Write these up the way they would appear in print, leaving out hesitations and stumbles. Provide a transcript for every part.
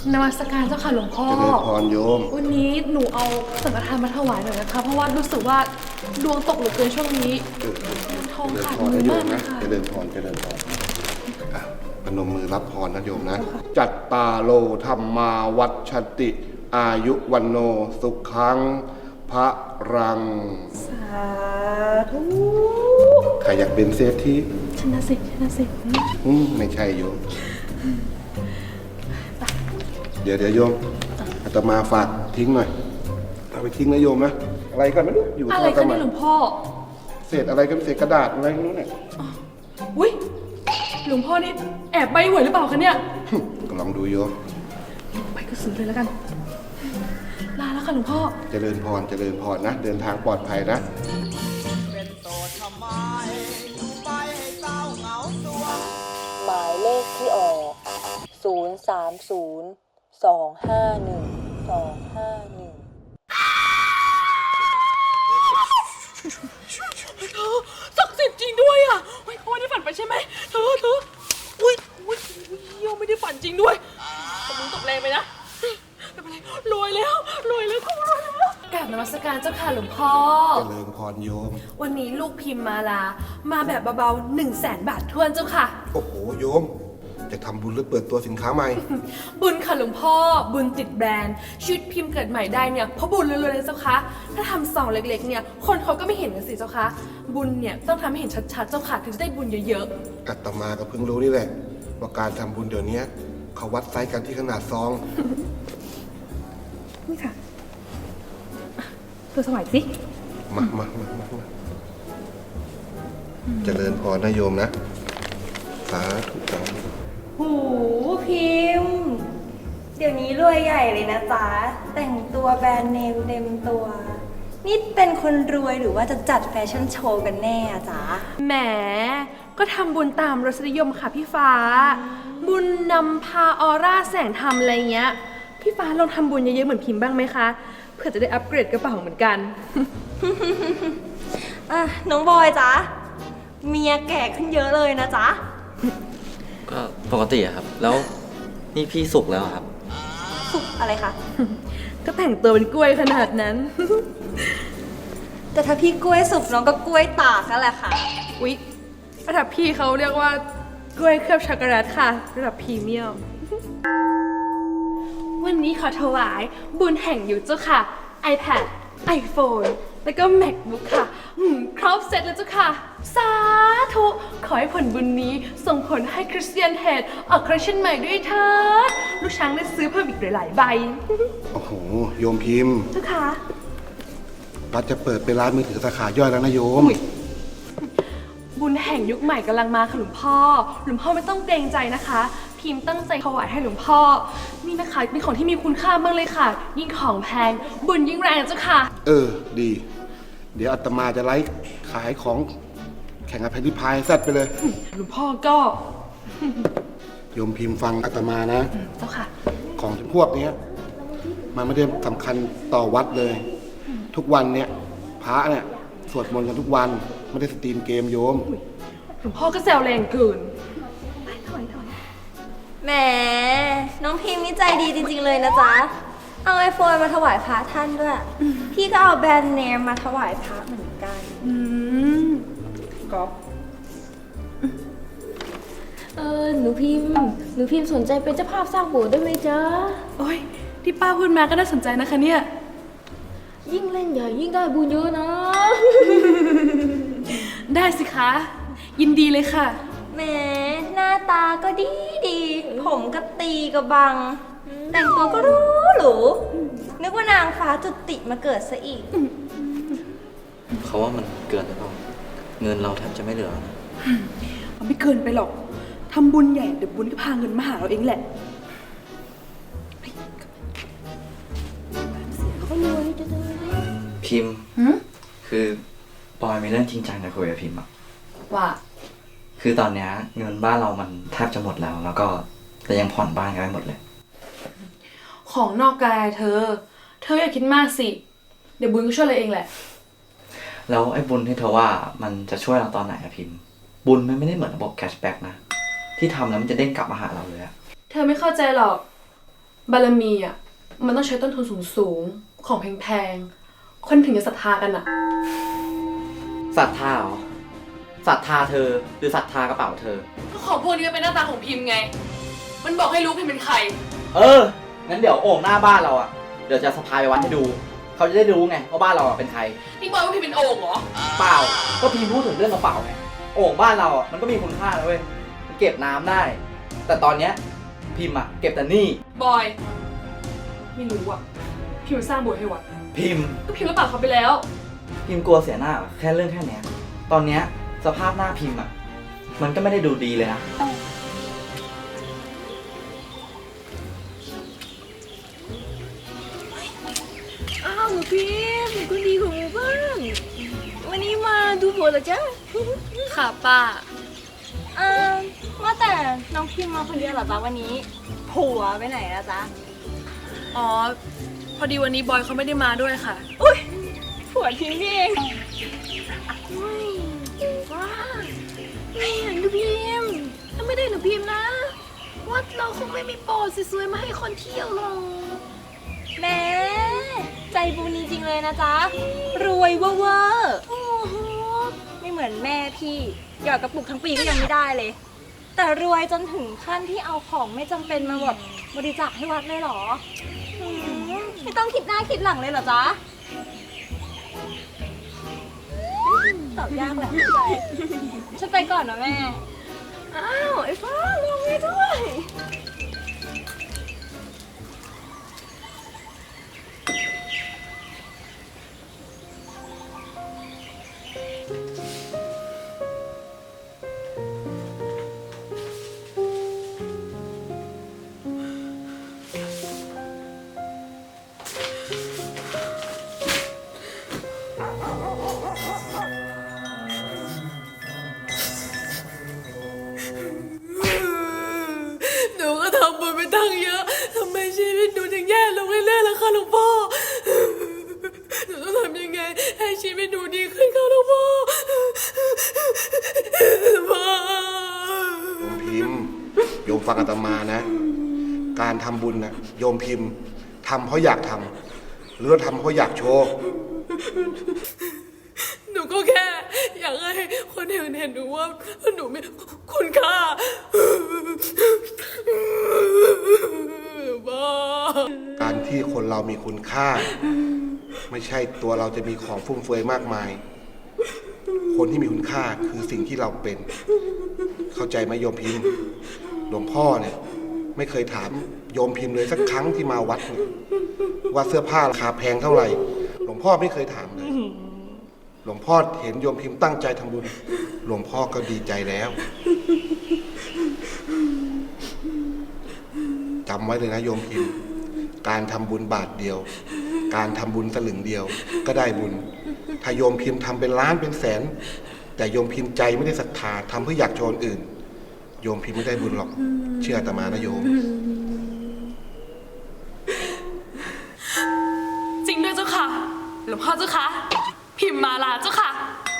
นมัสการเจ้าค่ะหลวงพ่อเจริญพรโยมวันนี้หนูเอาสังฆทานมาถวายหน่อยนะคะเพราะว่ารู้สึกว่าดวงตกเหลือเกินช่วงนี้ทองขาดมือมากนะคะเจริญพรเจริญพรอ่ะพนมมือรับพรนะโยมนะ จัตตาโลธรรมาวัชติ อายุวันโนสุขังพระรังสาธุใครอยากเป็นเศรษฐีชนะสิไม่ใช่โยม เดี๋ยวโยมอาตมาฝากทิ้งหน่อยเอาไปทิ้งนะโยมนะอะไรกันไม่รู้อยู่อะไรกันนี่หลวงพ่อเศษอะไรกันเศษกระดาษอะไรไม่รู้เนี่ยอุ้ยหลวงพ่อนี่แอบใบหวยหรือเปล่าคะเนี่ยก็ลองดูโยมไปก็ซื้อเลยแล้วกันลาแล้วค่ะหลวงพ่อเจริญพรนะเดินทางปลอดภัยนะหมายเลขที่ออก030 251 251 ศักดิ์สิทธิ์จริงด้วยอ่ะเฮ้ยเขาไม่ได้ฝันไปใช่ไหมเธออุ้ยเยี่ยมไม่ได้ฝันจริงด้วยตกมึงตกแรงไปนะไม่เป็นไรรวยแล้วเขารวยแล้วกราบนมัสการเจ้าค่ะหลวงพ่อเจริญพรโยมวันนี้ลูกพิมพ์มาแบบเบาๆ100,000 บาททวนเจ้าค่ะโอ้โหโยมจะทำบุญหรือเปิดตัวสินค้าใหม่บุญค่ะหลวงพ่อบุญติดแบรนด์ชีวิตพิมพ์เกิดใหม่ได้เนี่ยเพราะบุญเลยเจ้าค่ะถ้าทำซองเล็กๆเนี่ยคนเขาก็ไม่เห็นกันสิเจ้าค่ะบุญเนี่ยต้องทำให้เห็นชัดๆเจ้าค่ะถึงจะได้บุญเยอะๆอาตมาก็เพิ่งรู้นี่แหละว่าการทำบุญเดี๋ยวนี้เขาวัดไซส์กันที่ขนาดซองนี่ค่ะตัวสมัยสิมาเจริญพรนะโยมนะสาธุสาธุหูพิมพ์เดี๋ยวนี้รวยใหญ่เลยนะจ๊ะแต่งตัวแบรนด์เนมเต็มตัวนี่เป็นคนรวยหรือว่าจะจัดแฟชั่นโชว์กันแน่อะจ๊ะแหมก็ทำบุญตามรสนิยมค่ะพี่ฟ้าบุญนำพาออร่าแสงธรรมอะไรเงี้ยพี่ฟ้าลองทำบุญเยอะๆเหมือนพิมพ์บ้างไหมคะเพื่อจะได้อัปเกรดกระเป๋าเหมือนกันน้องบอยจ๊ะเมียแก่ขึ้นเยอะเลยนะจ๊ะก็ปกติอะครับแล้วนี่พี่สุกแล้วครับสุกอะไรคะก็แต่งตัวเป็นกล้วยขนาดนั้นแต่ถ้าพี่กล้วยสุกน้องก็กล้วยตากนั่นแหละค่ะอุ๊ยระดับพี่เขาเรียกว่ากล้วยเคลือบช็อกโกแลตค่ะระดับพรีเมียมวันนี้ขอถวายบุญแห่งยุคเจ้าค่ะ iPad iPhone แล้วก็ MacBook ค่ะครบเสร็จแล้วเจ้าค่ะสาธุขอให้ผลบุญนี้ส่งผลให้คริสเตียนเฮดออกคอลเลคชันใหม่ด้วยเถิดลูกช้างได้ซื้อเพิ่มอีกหลายๆใบโอ้โหโยมพิมพ์เจ้าค่ะวัดจะเปิดเป็นร้านมือถือสาขาย่อยแล้วนะโยมบุญแห่งยุคใหม่กำลังมาค่ะหลวงพ่อไม่ต้องเกรงใจนะคะพิมพ์ตั้งใจถวายให้หลวงพ่อนี่นะคะเป็นของที่มีคุณค่ามากเลยค่ะยิ่งของแพงบุญยิ่งแรงเจ้าค่ะดีเดี๋ยวอาตมาจะไลฟ์ขายของแข่งกับแพนที่พายแซดไปเลยหลวงพ่อก็โยมพิมพ์ฟังอาตมานะเจ้าค่ะของพวกนี้มันไม่ได้สำคัญต่อวัดเลยทุกวันเนี่ยพระเนี่ยสวดมนต์กันทุกวันไม่ได้สตรีมเกมโยมหลวงพ่อก็แซวแรงเกินแหมน้องพิมพ์นี่ใจดีจริงๆเลยนะจ๊ะเอาไอโฟนมาถวายพระท่านด้วยพี่ก็เอาแบรนด์เนมมาถวายพระเหมือนกันก๊อฟหนูพิมพ์สนใจเป็นเจ้าภาพสร้างโบสถ์ได้ไหมจ๊ะโอ้ยที่ป้าพูดมาก็น่าสนใจนะคะเนี่ยยิ่งเล่นใหญ่ยิ่งได้บุญเยอะนะได้สิคะยินดีเลยค่ะแหมหน้าตาก็ดีผมก็ตีกระบังแต่งตัวก็หรูนึกว่านางฟ้าจุติมาเกิดซะอีกเขาว่ามันเกินหรือเปล่าเงินเราแทบจะไม่เหลือนะมันไม่เกินไปหรอกทำบุญใหญ่เดี๋ยวบุญก็พาเงินมาหาเราเองแหละพิมพ์คือปอยมีเรื่องจริงจังจะคุยกับพิมพ์อะว่าคือตอนนี้เงินบ้านเรามันแทบจะหมดแล้วก็แต่ยังผ่อนบ้านกันไม่หมดเลยของนอกกายเธออย่าคิดมากสิเดี๋ยวบุญก็ช่วยเราเองแหละแล้วไอ้บุญที่เธอว่ามันจะช่วยเราตอนไหนอะพิมพ์บุญมันไม่ได้เหมือนระบบแคชแบ็กนะที่ทำแล้วมันจะเด้งกลับมาหาเราเลยอะเธอไม่เข้าใจหรอกบารมีอ่ะมันต้องใช้ต้นทุนสูงๆของแพงๆคนถึงจะศรัทธากันอ่ะศรัทธาเหรอศรัทธาเธอหรือศรัทธากระเป๋าเธอก็ของพวกนี้มันเป็นหน้าตาของพิมพ์ไง มันบอกให้รู้พิมพ์เป็นใครงั้นเดี๋ยวโอ่งหน้าบ้านเราอ่ะ เดี๋ยวจะสะพายไปวัดให้ดู เขาจะได้รู้ไงว่าบ้านเราอ่ะเป็นใครนี่บอกว่าพิมพ์เป็นโอ่งเหรอเปล่า ก็พิมพ์พูดถึงเรื่องกระเป๋าไง โอ่งบ้านเราอ่ะมันก็มีคุณค่านะเว้ย มันเก็บน้ำได้ แต่ตอนเนี้ยพิมพ์อ่ะเก็บแต่หนี้บอย ไม่รู้อ่ะ พิมพ์สร้างโบสถ์ให้วัดพิมพ์ก็พิมพ์รับปากเขาไปแล้วพิมพ์กลัวเสียหน้าเหรอแค่เรื่องแค่เนี้ย ตอนเนี้ยสภาพหน้าพิมพ์อ่ะ มันก็ไม่ได้ดูดีเลยนะอ้าวหนูพิมพ์คนดีของหมู่บ้านวันนี้มาดูโบสถ์เหรอจ๊ะค่ะป้าว่าแต่น้องพิมพ์มาคนเดียวเหรอจ๊ะวันนี้ ผัวไปไหนละจ๊ะอ๋อ พอดีวันนี้บอยเขาไม่ได้มาด้วยค่ะผัวทิ้งนี่เองว้าไม่เห็นหนูพิมพ์ถ้าไม่ได้หนูพิมพ์นะวัดเราคงไม่มีโบสถ์สวยๆมาให้คนเที่ยวหรอกแหม่ใจบุญจริงๆเลยนะจ๊ะ รวยเวอร์โอ้โหๆไม่เหมือนแม่พี่หยอดกระปุกทั้งปีก็ยังไม่ได้เลย แต่รวยจนถึงขั้นที่เอาของไม่จำเป็นมาแบบบริจาคให้วัดเลยเหรอไม่ต้องคิดหน้าคิดหลังเลยเหรอจ๊ะตอบยากแหละใจฉันไปก่อนนะแม่อ้าวไอ้ฟ้าลงไปด้วยหนูก็ทำบุญไปตั้งเยอะ ทำไมชีวิตหนูถึงแย่ลงเรื่อยๆล่ะคะหลวงพ่อ หนูต้องทำยังไงให้ชีวิตหนูดีขึ้นคะหลวงพ่อหลวงพ่อโยมพิมพ์โยมฟังอาตมานะ การทำบุญนะโยมพิมพ์ทำเพราะอยากทำหรือว่าทำเพราะอยากโชว์หนูก็แค่อยากให้คนอื่นเห็นหนูว่าหนูมีคุณค่าบ้าการที่คนเรามีคุณค่า ไม่ใช่ตัวเราจะมีของฟุ่มเฟือยมากมาย คนที่มีคุณค่าคือสิ่งที่เราเป็น เข้าใจไหมโยมพิมพ์หลวงพ่อเนี่ยไม่เคยถามโยมพิมพ์เลยสักครั้งที่มาวัดเนี่ยว่าเสื้อผ้าราคาแพงเท่าไหร่ หลวงพ่อไม่เคยถามเลย หลวงพ่อเห็นโยมพิมพ์ตั้งใจทำบุญ หลวงพ่อก็ดีใจแล้วจำไว้เลยนะโยมพิมพ์ การทำบุญบาทเดียว การทำบุญสลึงเดียวก็ได้บุญ ถ้าโยมพิมพ์ทำเป็นล้านเป็นแสน แต่โยมพิมพ์ใจไม่ได้ศรัทธาทำเพื่ออยากโชว์คนอื่น โยมพิมพ์ไม่ได้บุญหรอก เชื่ออาตมานะโยมจริงด้วยเจ้าค่ะ หลวงพ่อเจ้าค่ะ พิมพ์มาลาเจ้าค่ะ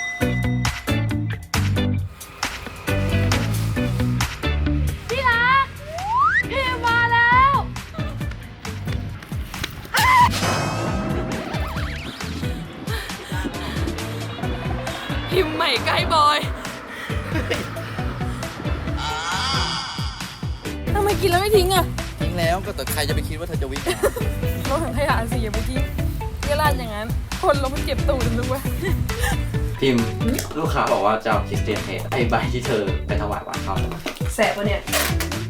พี่รักพิมพ์มาแล้วพิมพ์ใหม่ใกล้บอยทำไมกินแล้วไม่ทิ้งอ่ะทิ้งแล้วก็แต่ใครจะไปคิดว่าเธอจะวิ่งเราถังขยะสิอย่าไปทิ้งเวลาอย่างนั้น คนเราไม่เก็บตูดรู้ไหมพิมพ์ลูกค้าบอกว่าจะเอาคริสเตียนเทสไอใบที่เธอไปถวายวัดเขาแสบปะเนี่ย